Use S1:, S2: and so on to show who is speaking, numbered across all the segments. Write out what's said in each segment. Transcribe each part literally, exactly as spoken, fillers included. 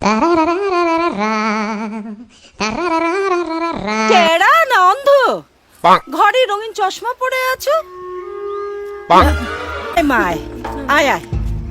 S1: টেরা না অন্ধ? ঘরে রঙিন চশমা পরে আছো? মায় আয় আয়।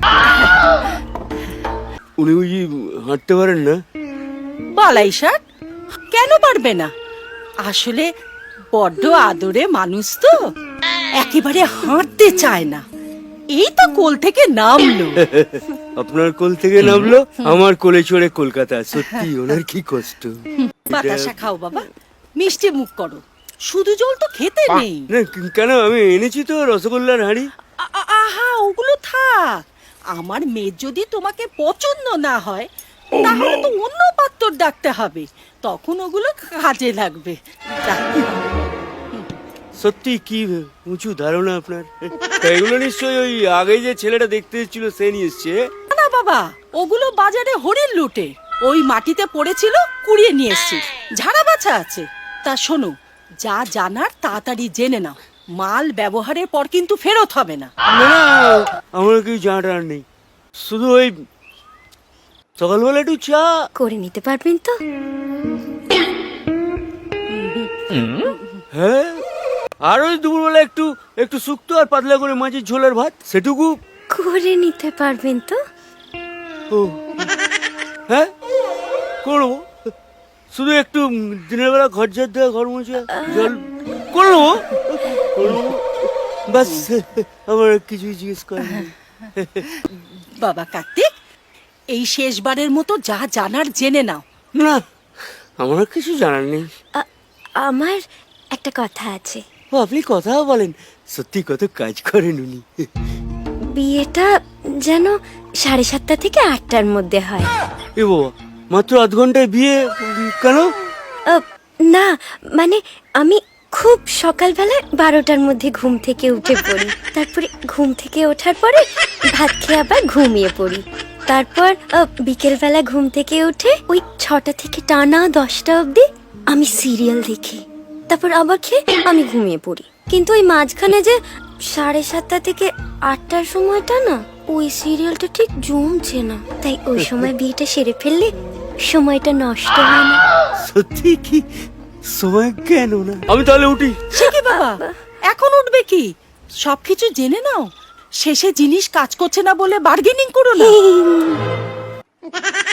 S2: উনি বুঝি হাঁটতে পারেন না?
S1: বালাই ষাট কেন পারবে না? আসলে বড্ড আদরে মানুষ তো, একেবারে হাঁটতে চায় না। এই তো কোল থেকে নামলো।
S2: আপনার কোল থেকে নামলো, আমার কোলে চড়ে কলকাতা। সত্যি ওনার কি কষ্ট।
S1: বাতাসা খাও বাবা, মিষ্টি মুখ করো, শুধু জল তো খেতে নেই।
S2: না কেন, আমি এনেছি তো রসগোল্লার হাঁড়ি।
S1: আ- আ- আহা ওগুলো থাক। আমার মেয়ে যদি তোমাকে পছন্দ না হয় তাহলে তো অন্য পাত্র ডাকতে হবে, তখন ওগুলো কাজে লাগবে। যাক।
S2: সত্যি কি উঁচু ধারণা আপনার। এগুলো নিশ্চয়ই ওই আগে যে ছেলেটা দেখতে এসেছিল সে নিয়ে এসছে।
S1: না বাবা, ওগুলো বাজারে হরিণ লুটে ওই মাটিতে পড়েছিল, কুড়িয়ে নিয়ে এসছি। ঝাড়া বাছা আছে। তা শোনো, যা জানার তাড়াতাড়ি জেনে নাও, মাল ব্যবহারের পর কিন্তু ফেরত হবে না।
S2: না না, আমার কিছু জানার নেই, শুধু ওই সকালবেলা একটু চা
S3: করে নিতে পারবেন তো?
S2: হ্যাঁ, আর ওই দুপুরবেলা একটু একটু শুক্তো আর পাতলা করে মাছের ঝোলের ভাত, সেটুকু
S3: করে নিতে পারবেন তো?
S2: ও হ্যাঁ করবো। শুধু একটু দিনের বেলা ঘর ঝাড় দেওয়া, ঘর মোছা, জল করবো করবো বাস। আমার কিছু জিজ্ঞেস করেন।
S1: বাবা কার্তিক, এই শেষবারের মতো যা জানার জেনে নাও।
S2: না, আমার কিছু জানার নেই।
S3: আ- আমার একটা কথা আছে।
S2: ও, আপনি কথাও বলেন, সত্যি কত কাজ করেন উনি।
S3: বিয়েটা যেন সাড়ে সাতটা থেকে আটটার মধ্যে হয়।
S2: এ বাবা, মাত্র আধ ঘন্টায় বিয়ে? কেন?
S3: আ, না মানে আমি খুব সকালবেলায় বারোটার মধ্যে ঘুম থেকে উঠে পড়ি, তারপরে ঘুম থেকে ওঠার পরে ভাত খেয়ে আবার ঘুমিয়ে পড়ি, তারপর আ, বিকেলবেলা ঘুম থেকে উঠে ওই ছটা থেকে টানা দশটা অবধি আমি সিরিয়াল দেখি, তারপর আবার খেয়ে আমি ঘুমিয়ে পড়ি। কিন্তু ওই মাঝখানে যে সাড়ে সাতটা থেকে আটটার সময়টা না, ওই সিরিয়ালটা ঠিক জমছে না, তাই ওই সময় বিয়েটা সেরে ফেললে সময়টা নষ্ট হয় না।
S2: সত্যি কি সময় কেন না? আমি তাহলে উঠি।
S1: সে কি বাবা, এখন উঠবে কি? সবকিছু জেনে নাও, শেষে জিনিস কাজ করছে না বলে বার্গেনিং করো না।